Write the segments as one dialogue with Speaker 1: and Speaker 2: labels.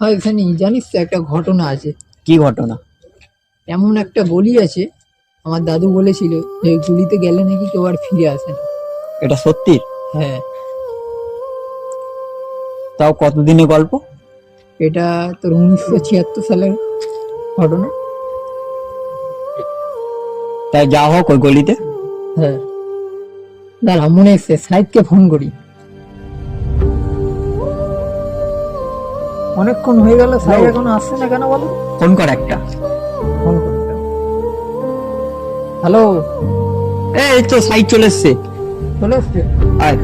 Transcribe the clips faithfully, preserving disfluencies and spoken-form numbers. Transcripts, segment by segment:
Speaker 1: হয় এখানে জানিস তো একটা ঘটনা আছে।
Speaker 2: কি ঘটনা?
Speaker 1: এমন একটা গলি আছে, আমার দাদু বলেছিল যে ওই গলিতে গেলে নাকি কেউ আর ফিরে আসে না।
Speaker 2: এটা সত্যি?
Speaker 1: হ্যাঁ,
Speaker 2: তাও কতদিনের গল্প?
Speaker 1: এটা তোর উনিশশো ছিয়াত্তর সালের ঘটনা।
Speaker 2: তাই যা হোক ওই গলিতে।
Speaker 1: হ্যাঁ, দাঁড়া মনে এসছে, সাইদকে ফোন করি। অনেকক্ষণ হয়ে গেল, সাইদ এখনো আসছে না কেন বলো?
Speaker 2: ফোন কর একটা।
Speaker 1: ফোন করতে। হ্যালো,
Speaker 2: এই তো সাইড চলে এসছে।
Speaker 1: চলে এসছে?
Speaker 2: আয়।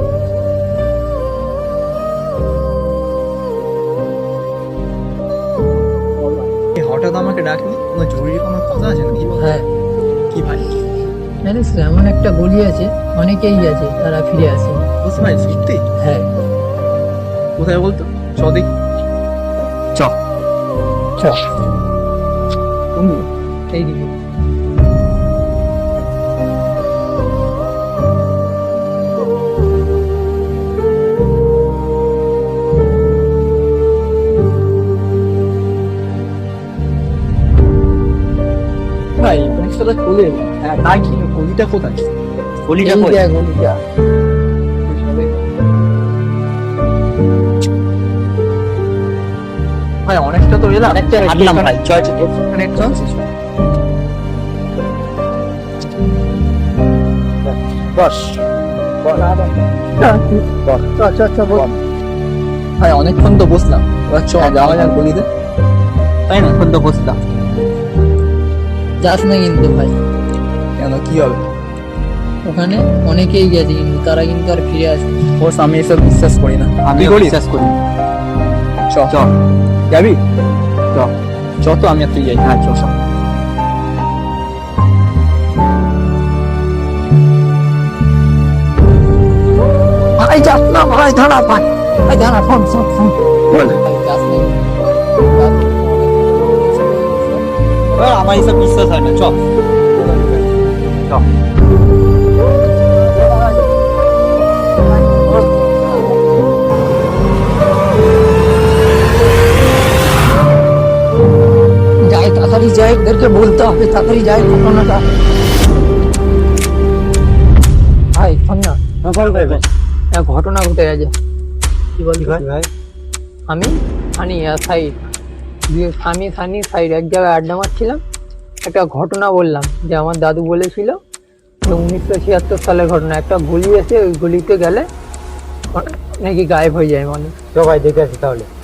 Speaker 3: হঠাৎ আমাকে ডাকলি, কোনো জরুরি কোনো কথা আছে নাকি?
Speaker 1: হ্যাঁ,
Speaker 3: কি ভাই?
Speaker 1: জানিস তো এমন একটা গলি আছে, অনেকেই আছে তারা ফিরে আসে।
Speaker 3: বুঝতে ভাই সত্যি?
Speaker 1: হ্যাঁ,
Speaker 3: কোথায় বলতো? চ দেখি।
Speaker 2: চ।
Speaker 1: চ।
Speaker 3: তুমি
Speaker 1: এইদিকে।
Speaker 3: ভাই পরীক্ষাটা চলে এলো। হ্যাঁ তাই কি গলিটা কোথায়?
Speaker 2: গলিটা
Speaker 1: এই
Speaker 2: কই?
Speaker 1: দেখ গলিটা।
Speaker 3: ভাই অনেকটা তো এলাম।
Speaker 2: অনেকটা হাঁটলাম ভাই, চ চ।
Speaker 3: এখানে একটু বসিস। বস ভাই অনেকক্ষণ তো বসলাম, এবার চ যাওয়া যাক গলিতে।
Speaker 2: তাই না, এখন তো বসলাম।
Speaker 1: যাস না কিন্তু ভাই,
Speaker 3: কেন কি হবে?
Speaker 1: ওখানে অনেকেই গেছে কিন্তু তারা কিন্তু আর ফিরে আসে।
Speaker 3: বস আমি এসব বিশ্বাস করি না।
Speaker 2: আমি
Speaker 3: তুই করিস?
Speaker 2: বিশ্বাস করি।
Speaker 3: চ
Speaker 2: চ।
Speaker 3: যাবি?
Speaker 2: চ।
Speaker 3: চ তো আমি আর তুই যাই।
Speaker 2: হ্যাঁ চ চ।
Speaker 1: ভাই যাস না ভাই, দাঁড়া ভাই, ভাই দাঁড়া, ফোন ফোন ফোন।
Speaker 3: বল।
Speaker 1: ভাই যাস না কিন্তু।
Speaker 2: এবার আমার এসব বিশ্বাস হয় না, চ। চ।
Speaker 1: যাই তাড়াতাড়ি যাই, ওদেরকে বলতে হবে তাড়াতাড়ি যাই ঘটনাটা। ভাই শোন না, এক ঘটনা ঘটে গেছে। কি বলি ভাই? আমি সানি আর সাইড, দিয়ে আমি সানি সাইড এক জায়গায় আড্ডা মারছিলাম। একটা ঘটনা বললাম যে আমার দাদু বলেছিল যে উনিশশো ছিয়াত্তর সালের ঘটনা, একটা গলি আছে, ওই গলিতে গেলে নাকি গায়েব হয়ে যায় মানুষ।
Speaker 2: তো ভাই দেখে আসি তাহলে।